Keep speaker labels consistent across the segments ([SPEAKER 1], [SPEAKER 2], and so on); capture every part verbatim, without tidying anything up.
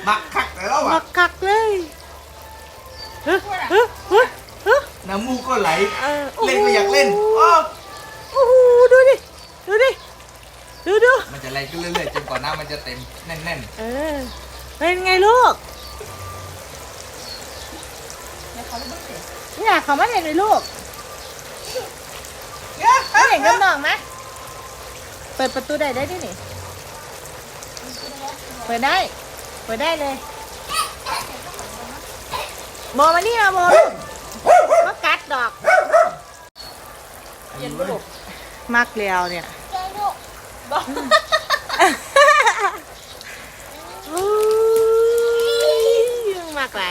[SPEAKER 1] บักคักแล้วอ่ะ
[SPEAKER 2] บักคักเลยเฮ้ยเฮ้ยเฮ้ยเฮ้ย
[SPEAKER 1] น้ำมูกก็ไหล
[SPEAKER 2] เออ
[SPEAKER 1] เล่นก็อยากเล่นโอ้
[SPEAKER 2] โอ้โหดูดิดูดิดูดู
[SPEAKER 1] มันจะไหลขึ้นเรื่อยๆจนกว่าน้ำมันจะเต็มแน่น
[SPEAKER 2] เออเป็นไงลูกเนี่ยเขาไม่เห็นเลยลูก
[SPEAKER 1] ๆ
[SPEAKER 2] ไม่เห็นกับน้องไหมเปิดประตูได้ได้ดิหนิเปิดได้เปิดได้เลยโบมานี่มาโบมากัดดอกเย็นบุกมักเลียวเนี่ยยังมากหลาย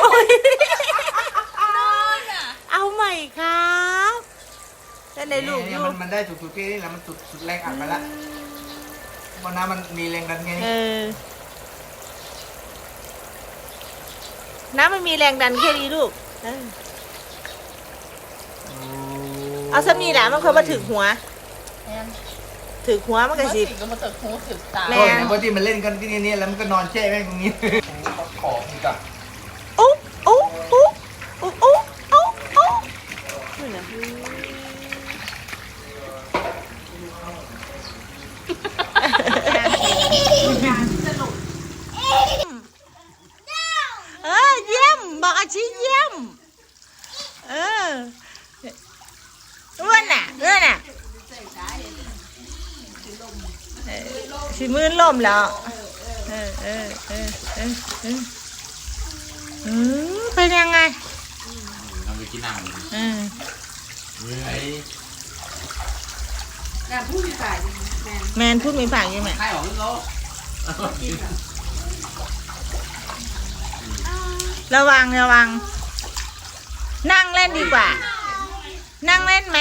[SPEAKER 2] เอาใหม่ครับได้เลยลูกอยู่
[SPEAKER 1] มันมันได้สุดๆที่นี่แล้วมันสุดสุดแรงอัดไปละเพราะน้ำมันมีแรงดันไง
[SPEAKER 2] เออน้ำมันมีแรงดันแค่นี้ลูกเออเอาสมีแหละมันเคยมาถึงหัวถึงหัวมันก็สิ
[SPEAKER 3] ก็มาเติมหูถึงตา
[SPEAKER 2] แม่
[SPEAKER 1] โอ้ยเพราะที่มันเล่นกันที่นี่แล้วมันก็นอนแช่แม่งตรงนี้ขอบอีกอ่ะ
[SPEAKER 2] โอ้โอ้โอ้โอ้โอ้โอ้โอ้นี่นะเออเยี่ยมบอกอาชีเยี่ยมเอออ้วนน่ะอ้วนน่ะเออสิมือล่มแล้วเออเออเออเออเอออืมเป็นยังไง
[SPEAKER 4] ทำไปกินน้ำ
[SPEAKER 2] อืม
[SPEAKER 4] เฮ้ย
[SPEAKER 3] งานผู้มีฝ่ายแมน
[SPEAKER 2] แมนพูดไม่ฝากยังไง
[SPEAKER 4] ใครออกขึ้นโล
[SPEAKER 2] ระวังระวัง นั่งเล่นดีกว่า นั่งเล่นไหม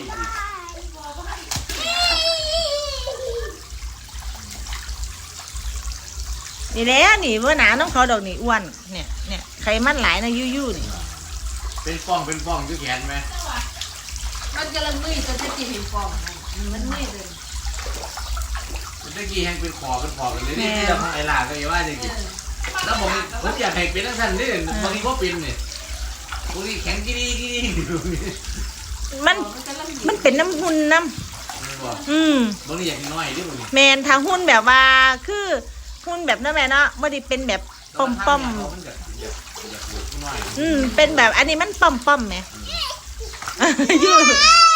[SPEAKER 2] นี่แหละนี่ว่าหนาน้องเขาดอกนี่อ้วนเนี่ยเนี่ยไขมันหลายนะยู่ยู่นี่
[SPEAKER 4] เป็นฟองเป็นฟองที่แขนไหม
[SPEAKER 3] มันกำลังมืดจนจะจีเห็นฟองมันมืดเลย
[SPEAKER 4] เมื่อกี้แห้งเป็นคอเป็นคอกันเลยนี่ที่เราทำไอ้ลาก็อย่าว่าจริงๆแล้วผมผมอยากให้เป็นทั้งท่านนี่บางทีก็เป็นเนี่ยบางทีแข็งกี่ดีกี่ดี
[SPEAKER 2] มันมันเป็นน้ำหุ่นน้ำอืม
[SPEAKER 4] บางทีอยากน้อยด้วยบางที
[SPEAKER 2] แมนทางหุ้นแบบว่าคือหุ้นแบบนั้นแม่เนาะไม่ได้เป็นแบบป้อมป้อมๆอืมเป็นแบบอันนี้มันป้อมป้อมๆไหม อยู่